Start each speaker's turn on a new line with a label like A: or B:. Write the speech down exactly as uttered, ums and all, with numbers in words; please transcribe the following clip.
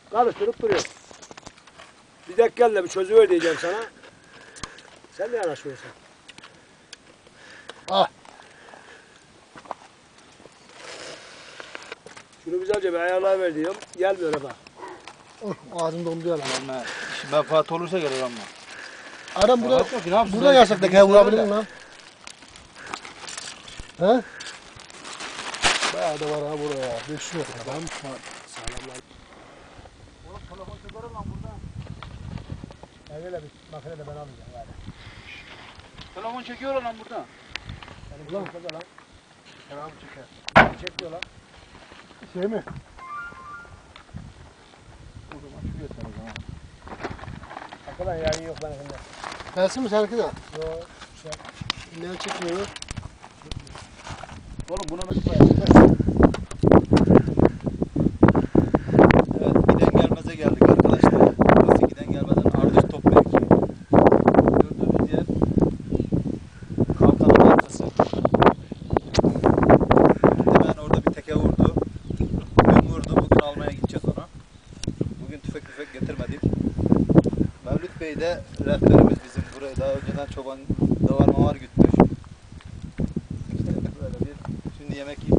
A: Karıştırıp duruyor. Bir dakika gel de bir çözüver diyeceğim sana. Sen de yanaşmıyorsun.
B: Ah.
A: Şunu güzelce bir ayarlayıver diyorum. Gelmiyor ama.
B: Oh, ağzım donduyor lan.
C: Ama iş menfaat olursa gelir ama.
B: Adam burada,
C: Bakma ki, ne yapsın?
B: burada yasak da kaya vurabilir mi lan? He? Bayağı da var ha buraya. beş yüz metre. Adam
A: Sağlamlar.
C: Oğlum telefon çekerim lan burada.
A: Evvela bir makine de ben alacağım gari.
C: Telefon çekiyor lan burada.
A: Benim ulan kıza lan.
B: Selam çeker.
A: Çekmiyor lan.
B: Şey mi?
C: O zaman şu yeter o zaman.
A: Arkadan yayın yok ben şimdi.
B: Gelsin mi seninki de?
A: Yok. Şey.
B: Ne çekmiyor?
C: Oğlum buna nasıl koyalım? Evet, giden gelmeze geldik arkadaşlar. Burası giden gelmeden Ardıç Top mevki. Gördüğünüz yer kalkanın arkası. Hemen orada bir teke vurdu. Dün vurdu, bugün almaya gideceğiz onu. Bugün tüfek tüfek getirmedik. Mevlüt Bey de rehberimiz bizim. Buraya daha önceden çoban davar mavar gütmüş. İşte böyle bir, şimdi yemek yiyip